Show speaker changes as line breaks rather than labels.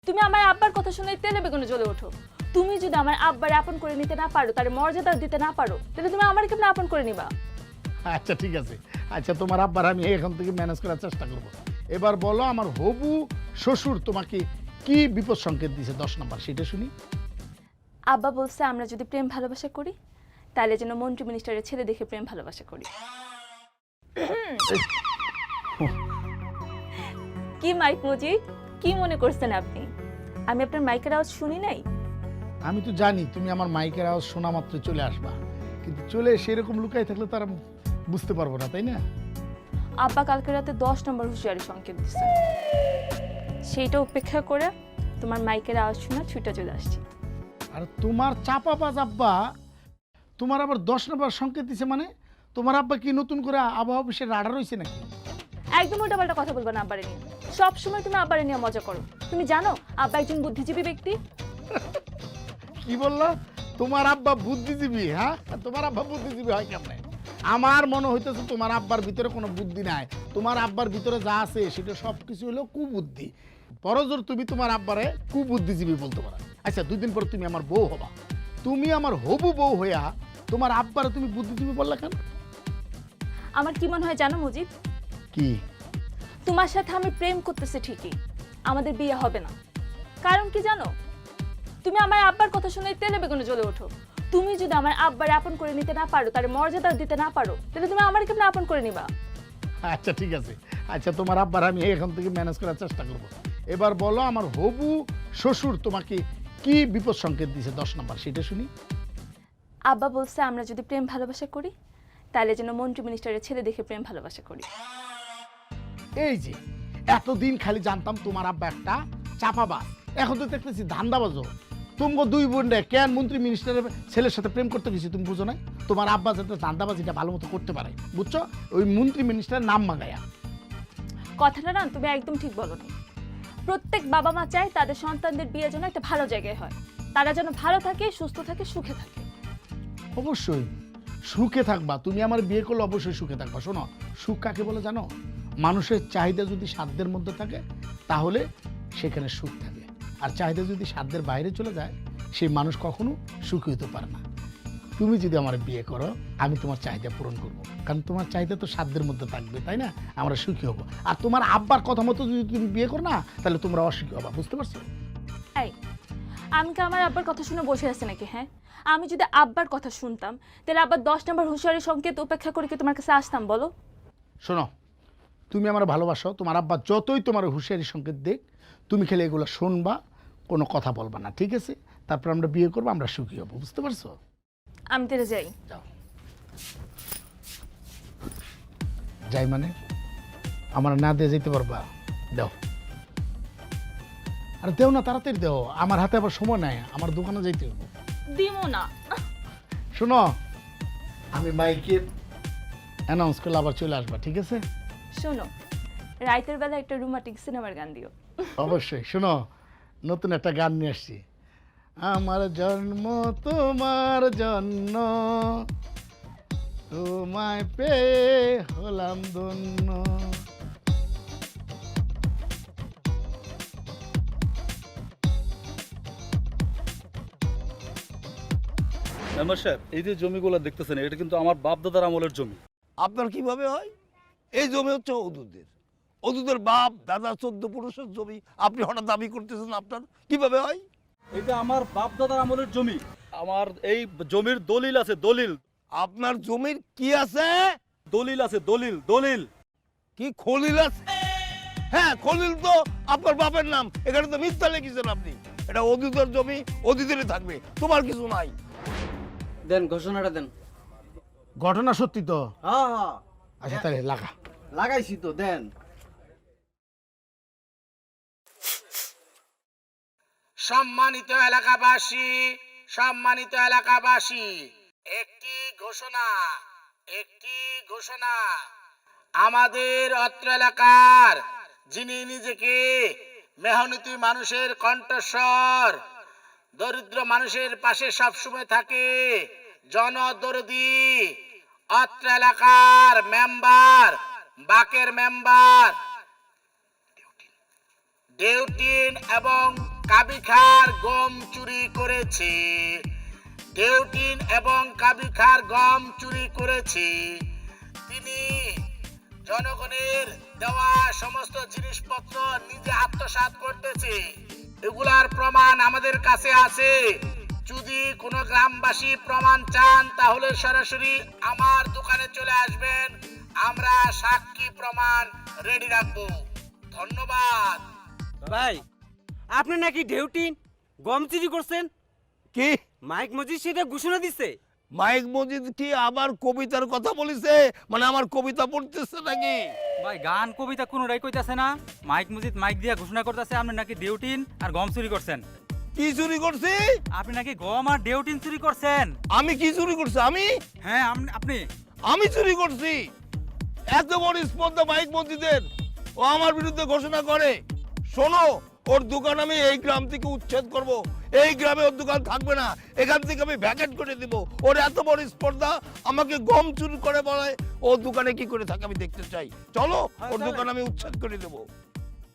তুমি আমার আব্বার কথা শুনে তেলে বেগুনে জ্বলে ওঠো। তুমি যদি আমার আব্বার আপন করে নিতে না পারো, তার মর্যাদা দিতে না পারো, তাহলে তুমি আমার কেমনে আপন করে নিবা?
আচ্ছা ঠিক আছে, আচ্ছা তোমার আব্বার আমি এখন থেকে ম্যানেজ করার চেষ্টা করব। এবার বলো আমার হবু শ্বশুর তোমাকে কি বিপদ সংকেত দিয়েছে 10 নম্বর সেটা শুনি।
আব্বা বলছে আমরা যদি প্রেম ভালোবাসা করি তাহলে যেন মন্ত্রী মিনিস্টারের ছেলে দেখে প্রেম ভালোবাসা করি। কি মাইক মুজি, কি মনে করছেন আপনি? আমি আপনার মাইকের আওয়াজ শুনি নাই?
আমি তো জানি তুমি আমার মাইকের আওয়াজ শোনা মাত্র চলে আসবা, কিন্তু চলে সেরকম লুকাই থাকলে তারা বুঝতে পারবো না, তাই না?
আব্বা কালকে রাতে 10 নম্বর হুঁশিয়ারি সংকেত দিচ্ছে, সেইটা উপেক্ষা করে তোমার মাইকের আওয়াজ শোনা ছুটে চলে আসছি।
আর তোমার চাপাবাজ আব্বা তোমার আবার 10 নম্বর সংকেত দিছে মানে? তোমার আব্বা কি নতুন করে আবহাওয়া অফিসের রাডার হয়েছে নাকি?
একদম উল্টাপাল্টা কথা বলবা না আব্বারে নিয়ে। সবসময় তুমি আব্বারে নিয়ে মজা করো। তুমি জানো আব্বা একজন বুদ্ধিজীবী ব্যক্তি।
কি বললা? তোমার আব্বা বুদ্ধিজীবী? হ্যাঁ, তোমার আব্বা বুদ্ধিজীবী হয় কেমনে? আমার মনে হইতেছে তোমার আব্বার ভিতরে কোনো বুদ্ধি নাই। তোমার আব্বার ভিতরে যা আছে সেটা সবকিছু হলো কুবুদ্ধি। পরজোর তুমি তোমার আব্বারে কুবুদ্ধিজীবী বলতে পারো। আচ্ছা 2 দিন পর তুমি আমার বউ হবা, তুমি আমার হবু বউ হইয়া তোমার আব্বারে তুমি বুদ্ধিজীবী বললা কেন?
আমার কি মনে হয় জানো মুজিব,
কি?
তোমার সাথে আমি প্রেম করতেছি ঠিকই, আমাদের বিয়ে হবে না। কারণ কি জানো? তুমি আমার আব্বার কথা শুনে তেলে বেগুনে জ্বলে ওঠো। তুমি যদি আমার আব্বার আপন করে নিতে না পারো, তার মর্যাদা দিতে না পারো, তাহলে তুমি আমার কেমনে আপন করে নিবা?
আচ্ছা ঠিক আছে, আচ্ছা তোমার আব্বার আমি এখন থেকে ম্যানেজ করার চেষ্টা করব। এবার বলো আমার হবু শ্বশুর তোমাকে কি বিপদ সংকেত দিয়েছে 10 নম্বর সেটা শুনি।
আব্বা বলছে আমরা যদি প্রেম ভালোবাসা করি তাহলে যেন মন্ত্রী মিনিস্টারের ছেলে দেখে প্রেম ভালোবাসা করি।
এই যে এতদিন খালি জানতাম তোমার আব্বা একটা চাপাবাজ, এখন তো দেখতেছি ধান্দাবাজও। তোমাকে 2 বোনরে কেন মন্ত্রী মিনিস্টারের ছেলের সাথে প্রেম করতে গেছি তুমি বুঝো না? তোমার আব্বা যাতে ধান্দাবাজিটা ভালো মতো করতে পারে, বুঝছো? ওই মন্ত্রী মিনিস্টারের নাম মাগায়া।
কথাটা না তুমি একদম ঠিক বলোনি। প্রত্যেক বাবা মা চায় তাদের সন্তানদের বিয়ে যেন একটা ভালো জায়গায় হয়, তারা যেন ভালো থাকে, সুস্থ থাকে, সুখে থাকে।
অবশ্যই সুখে থাকবা, তুমি আমার বিয়ে করলে অবশ্যই সুখে থাকবা। শোনো, সুখ কাকে বলে জানো? মানুষের চাহিদা যদি সাধ্যের মধ্যে থাকে তাহলে সেখানে সুখ থাকে, আর চাহিদা যদি সাধ্যের বাইরে চলে যায় সেই মানুষ কখনো সুখী হতে পারে না। তুমি যদি আমার বিয়ে করো আমি তোমার চাহিদা পূরণ করব, কারণ তোমার চাহিদা তো সাধ্যের মধ্যে থাকবে, তাই না? আমরা সুখী হব। আর তোমার আব্বার কথা মতো যদি তুমি বিয়ে করো না তাহলে তোমরা অসুখী হবা, বুঝতে পারছো?
এই, আমি কি আমার আব্বার কথা শুনে বসে আছি নাকি? হ্যাঁ, আমি যদি আব্বার কথা শুনতাম তাহলে আব্বার 10 নম্বর হুঁশিয়ারি সংকেত উপেক্ষা করে কি তোমার কাছে আসতাম বলো?
শোনো, তুমি আমার ভালোবাসো, তোমার আব্বা যতই তোমার হুঁশিয়ারি সংকেত দেখ তুমি খেলে এগুলো শুনবা, কোনো কথা বলবা না, ঠিক আছে? তারপর আমরা বিয়ে করবো, আমরা সুখী হবো, বুঝতে পারছো?
আমি তেরে যাই।
যাও। যাই মানে? আমার না দিয়ে যেতে পারবা? দাও। আর দেও না, তাড়াতাড়ি দেও, আমার হাতে আবার সময় নাই, আমার দোকানে যাইতে হবে।
দিমো না।
শোনো, আমি মাইকে অ্যানাউন্স করলে আবার চলে আসবা, ঠিক আছে?
শোনো, রাইতের বেলা একটা রোমান্টিক সিনেমার গান দিও।
অবশ্যই। শোনো, নতুন একটা গান নিয়ে আসছি। আমার জন্ম তোমার জন্য, তোমায় পেয়ে হলাম ধন্য।
মেম্বার সাহেব, এই যে জমিগুলো দেখতেছেন এটা কিন্তু আমার বাপ দাদার আমলের জমি।
আপনার কিভাবে হয়? এই জমি হচ্ছে অদূতদের, অদূতের বাপ দাদা 14 পুরুষের জমি, আপনি হঠাৎ দাবি করতেছেন আপনার কিভাবে হয়?
এটা আমার বাপ দাদার আমলের জমি। আমার এই জমির দলিল আছে, দলিল।
আপনার জমির কি আছে?
দলিল আছে, দলিল, দলিল।
কি খলিল আছে? হ্যাঁ, খলিল তো আপনার বাপের নাম, এখানে তো মিথ্যা লিখেছেন আপনি। এটা অদূতের জমি, অদূতেরই থাকবে, তোমার কিছু নাই।
দেন ঘোষণাটা দেন।
ঘটনা সত্যি তো?
হ্যাঁ হ্যাঁ
আচ্ছা তাহলে লাগা।
লাগাইছি তো, দেন।
সম্মানিত এলাকাবাসী, সম্মানিত এলাকাবাসী, একটি ঘোষণা, একটি ঘোষণা। আমাদের অত্র এলাকার যিনি নিজেকে মেহনতি মানুষের কণ্ঠস্বর, দরিদ্র মানুষের পাশে সবসময় থাকে, জনদরদি, অত্র এলাকার মেম্বার, বাকের মেম্বার
ডেউটিন এবং কাবিখার গম চুরি করেছে। ডেউটিন এবং কাবিখার গম চুরি করেছে। তিনি জনগণের দেওয়া সমস্ত জিনিসপত্র নিজে আত্মসাৎ করতেছে। এগুলার প্রমাণ আমাদের কাছে আছে। যদি কোনো গ্রামবাসী প্রমাণ চান তাহলে সরাসরি আমার দোকানে চলে আসবেন। আমরা সাক্ষী প্রমাণ রেডি রাখবো। ধন্যবাদ।
ভাই আপনি নাকি ডেউটিন গম চুরি করছেন?
কি
মাইক মজিদ সেটা ঘোষণা দিছে।
মাইক মজিদ কি আবার কবিতার কথা বলিছে? মানে আমার কবিতা পড়তেছে নাকি?
ভাই গান কবিতা কোনোটাই কইতাছে না। মাইক মজিদ মাইক দিয়া ঘোষণা করতেছে আপনি নাকি ডেউটিন আর গম চুরি করছেন।
কি চুরি করছি?
আপনি নাকি গম আর ডেউটিন চুরি করছেন।
আমি কি চুরি করছি?
হ্যাঁ আপনি
আমি চুরি করছি? এত বড় স্পর্ধা মাইক মসজিদের, ও আমার বিরুদ্ধে ঘোষণা করে। শোনো, ওর দোকান আমি এই গ্রাম থেকে উচ্ছেদ করব। এই গ্রামে ওর দোকান থাকবে না। এখান থেকে আমি ভ্যাকেট করে দিব। ওর এত বড় স্পর্ধা, আমাকে গম চুরি করে বলে। ও দোকানে কি করে থাকে আমি দেখতে চাই। চলো, ওর দোকান আমি উচ্ছেদ করে দেবো।